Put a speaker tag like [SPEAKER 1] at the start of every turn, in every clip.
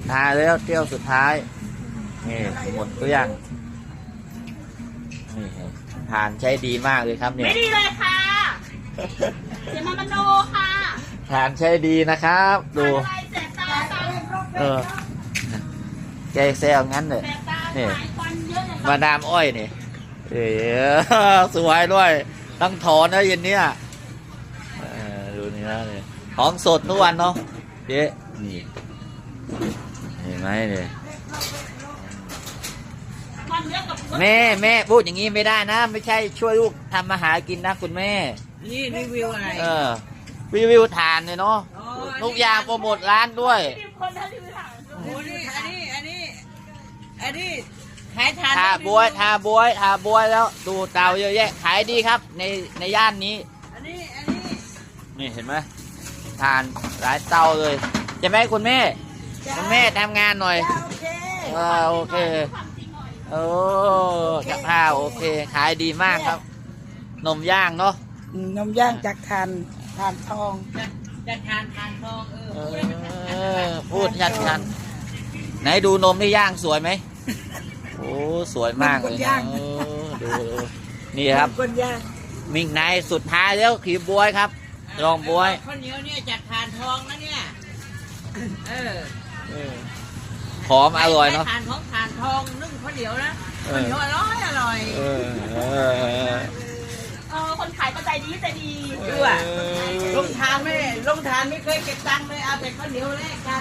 [SPEAKER 1] ทานแล้วเที่ยวสุดท้ายนี่หมดตัวอย่างนี่ทานใช้ดีมากเลยครับเนี่ย
[SPEAKER 2] ไม่ดีเลยค่ะเสียมามันโนค่ะ
[SPEAKER 1] ทานใช้ดีนะครับดู
[SPEAKER 2] อะไรแสบตาตา
[SPEAKER 1] แกแซวงั้นเลย
[SPEAKER 2] แสบตา
[SPEAKER 1] นี่
[SPEAKER 2] หายควันเยอะเลย
[SPEAKER 1] มาดามอ้อยนี่สวยด้วยต้องถอนนะเย็นเนี้ยดูนี่นะนี่ของสดทุกวันเนาะเจ๊นี่เห็นไหมเนี่ย
[SPEAKER 2] ควันเยอะกับ
[SPEAKER 1] แม่พูดอย่างนี้ไม่ได้นะ ไม่ใช่ช่วยลูกทำมาหากินนะคุณแม่
[SPEAKER 3] นี่รีวิวอะไร
[SPEAKER 1] รีวิวทานเลยเนาะทุกอย่างโปรโมทร้านด้วย
[SPEAKER 2] มีคนท่านที่ไปถาม
[SPEAKER 3] โอ้นี่อันนี้ขายทาน
[SPEAKER 1] ทาบวยแล้วดูเตาเยอะแยะขายดีครับในย่านนี้
[SPEAKER 3] อันนี้
[SPEAKER 1] นี่เห็นไหมทานหลายเตาเลยจะไหมคุณแม่ทำงานหน่อย
[SPEAKER 3] โอเค
[SPEAKER 1] โอเคโอ้กับข้าวโอเคขายดีมากครับนมย่างเนาะ
[SPEAKER 4] นมย่างจากทานทอง
[SPEAKER 3] จะทานทอง
[SPEAKER 1] พูดชัดไหนดูนมที่ย่างสวยไหมโอ้สวยมากเลยนะดูนี่ครับ
[SPEAKER 4] คนย่าง
[SPEAKER 1] มิ่งในสุดท้ายแล้วขีบบวยครับลองบวย
[SPEAKER 3] ข้าวเหนียวเนี่ยจากทานทองนะเนี่ย
[SPEAKER 1] หอมอร่อยเนาะ
[SPEAKER 3] ทานทองนึ่งข้าวเหนียวนะข้าวเหนียวอร่อย
[SPEAKER 2] คนขายก็ใจดี
[SPEAKER 3] ดูอ่ะลงทานไม่เคยเก็บตังค์เลยเอาแต่ข้าวเหนียวแลกกัน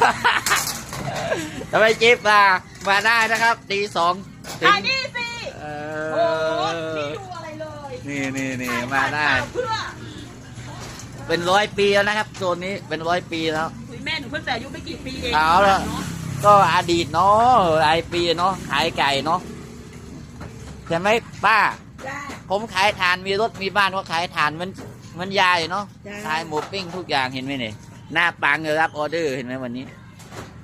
[SPEAKER 1] ทำไมจิ๊บมาได้นะครับตีสอง
[SPEAKER 2] ขายดีสิโอ้ไม่ดูอะไรเลย
[SPEAKER 1] นี่มาได้
[SPEAKER 2] เพื่อ
[SPEAKER 1] เป็น100 ปีแล้วนะครับโซนนี้เป็น100 ปีแล้ว
[SPEAKER 2] แม่หนูเพิ่งแต่อายุไม่กี่ปีเอง
[SPEAKER 1] เอาละก็อดีตเนาะหลายปีเนาะขายไก่เนาะใช่ไหมป้า
[SPEAKER 4] จ้า
[SPEAKER 1] ผมขายฐานมีรถมีบ้านก็ขายฐานมันยายเนาะ
[SPEAKER 4] จ้า
[SPEAKER 1] ขายหมูปิ้งทุกอย่างเห็นไหมเนี่ยหน้าปังเลยรับออเดอร์เห็นไหมวันนี้
[SPEAKER 4] จ